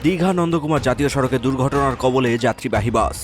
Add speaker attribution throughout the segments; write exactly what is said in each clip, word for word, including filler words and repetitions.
Speaker 1: দীঘা নন্দকুমার জাতীয় সড়কে দুর্ঘটনার কবলে যাত্রীবাহী বাস।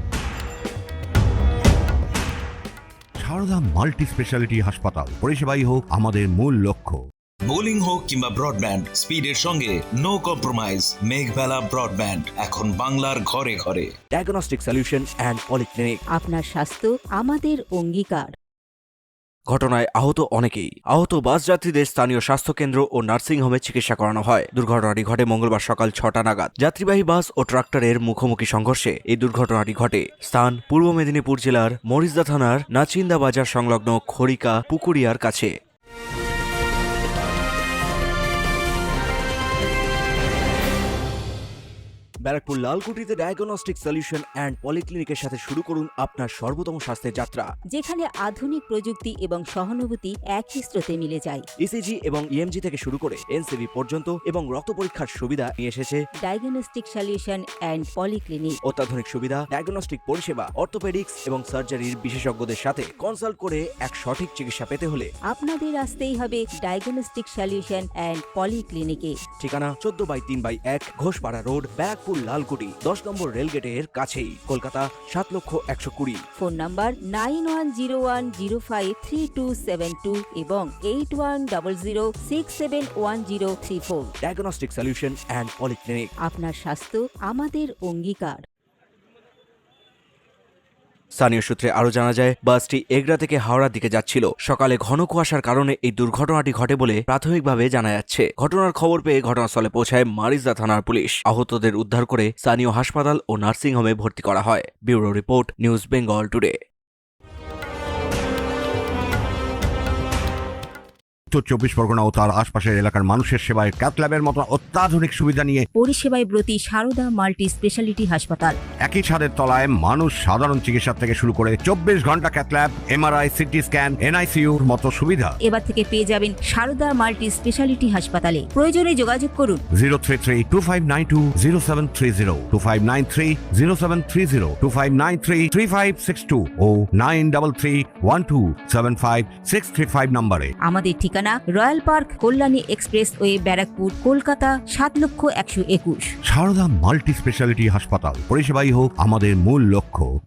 Speaker 2: সারদা মাল্টি স্পেশালিটি হাসপাতাল, পরিষেবাই হোক আমাদের মূল লক্ষ্য।
Speaker 3: বোলিং হোক কিংবা ব্রডব্যান্ড, স্পিডের সঙ্গে নো কম্প্রোমাইজ। মেঘবেলা ব্রডব্যান্ড এখন বাংলার ঘরে ঘরে।
Speaker 1: Diagnostic solution and polyclinic.
Speaker 4: আপনার স্বাস্থ্য আমাদের অঙ্গীকার।
Speaker 1: ঘটনায় আহত অনেকেই। আহত বাস যাত্রীদের স্থানীয় স্বাস্থ্যকেন্দ্র ও নার্সিংহোমে চিকিৎসা করানো হয়। দুর্ঘটনাটি ঘটে মঙ্গলবার সকাল ছটা নাগাদ। যাত্রীবাহী বাস ও ট্রাক্টরের মুখোমুখি সংঘর্ষে এই দুর্ঘটনাটি ঘটে। স্থান পূর্ব মেদিনীপুর জেলার মরিচদা থানার নাচিন্দা বাজার সংলগ্ন খড়িকা পুকুরিয়ার কাছে। ব্যারাকপুর লালকুটিতে ডায়াগনস্টিক সলিউশন অ্যান্ড পলিক্লিনিকের সাথে শুরু করুন আপনার সর্বোত্তম স্বাস্থ্যের যাত্রা,
Speaker 4: যেখানে আধুনিক প্রযুক্তি এবং সহানুভূতি একই স্রোতে মিলে যায়।
Speaker 1: ইসিজি এবং ইএমজি থেকে শুরু করে এনসিবি পর্যন্ত এবং রক্ত পরীক্ষার সুবিধা নিয়ে এসেছে
Speaker 4: ডায়াগনস্টিক সলিউশন অ্যান্ড পলিক্লিনিক।
Speaker 1: অত্যাধুনিক সুবিধা, ডায়াগনস্টিক পরিষেবা, অর্থোপেডিক্স এবং সার্জারির বিশেষজ্ঞদের সাথে কনসাল্ট করে এক সঠিক চিকিৎসা পেতে হলে
Speaker 4: আপনাদের আসতেই হবে ডায়াগনস্টিক সলিউশন অ্যান্ড পলিক্লিনিকে।
Speaker 1: ঠিকানা চোদ্দ বাই তিন বাই এক ঘোষপাড়া রোড, ব্যারাকপুর লালকুটি, দশ নম্বর রেলগেটের কাছেই, কলকাতা সাত লক্ষ একশো কুড়ি।
Speaker 4: Phone number nine one zero one zero five three two seven two এবং eight one double zero six seven one zero three four.
Speaker 1: Diagnostic solution and polyclinic.
Speaker 4: আপনার স্বাস্থ্য আমাদের অঙ্গীকার।
Speaker 1: স্থানীয় সূত্রে আরও জানা যায়, বাসটি এগরা থেকে হাওড়ার দিকে যাচ্ছিল। সকালে ঘন কুয়াশার কারণে এই দুর্ঘটনাটি ঘটে বলে প্রাথমিকভাবে জানা যাচ্ছে। ঘটনার খবর পেয়ে ঘটনাস্থলে পৌঁছায় মারিজদা থানার পুলিশ। আহতদের উদ্ধার করে স্থানীয় হাসপাতাল ও নার্সিংহোমে ভর্তি করা হয়। Bureau report, news Bengal today.
Speaker 2: উত্তর চব্বিশ পরগনা ও তার আশপাশের এলাকার মানুষের সেবায় ক্যাথ ল্যাবের মতো অত্যাধুনিক সুবিধা নিয়ে
Speaker 4: পরিষেবায় ব্রতী সারদা মাল্টি স্পেশালিটি হাসপাতাল।
Speaker 2: একই ছাদের তলায় মানুষ সাধারণ চিকিৎসা থেকে শুরু করে চব্বিশ ঘন্টা cath lab, MRI, CT scan, এনআইসিইউর মতো সুবিধা
Speaker 4: এবার থেকে পেয়ে যাবেন সারদা মাল্টি স্পেশালিটি হাসপাতালে। প্রয়োজনে যোগাযোগ করুন
Speaker 2: zero three three two five nine two zero seven three zero, two five nine three zero seven three zero, two five nine three three five six two ও nine double three one two seven five six three five নম্বরে।
Speaker 4: আমাদের ঠিকানা royal park, Kalyani expressway, Barrackpore, Kolkata সাত লক্ষ একশো একুশ।
Speaker 2: Sarada multi speciality হাসপাতাল, পরিষেবাই হোক আমাদের মূল লক্ষ্য।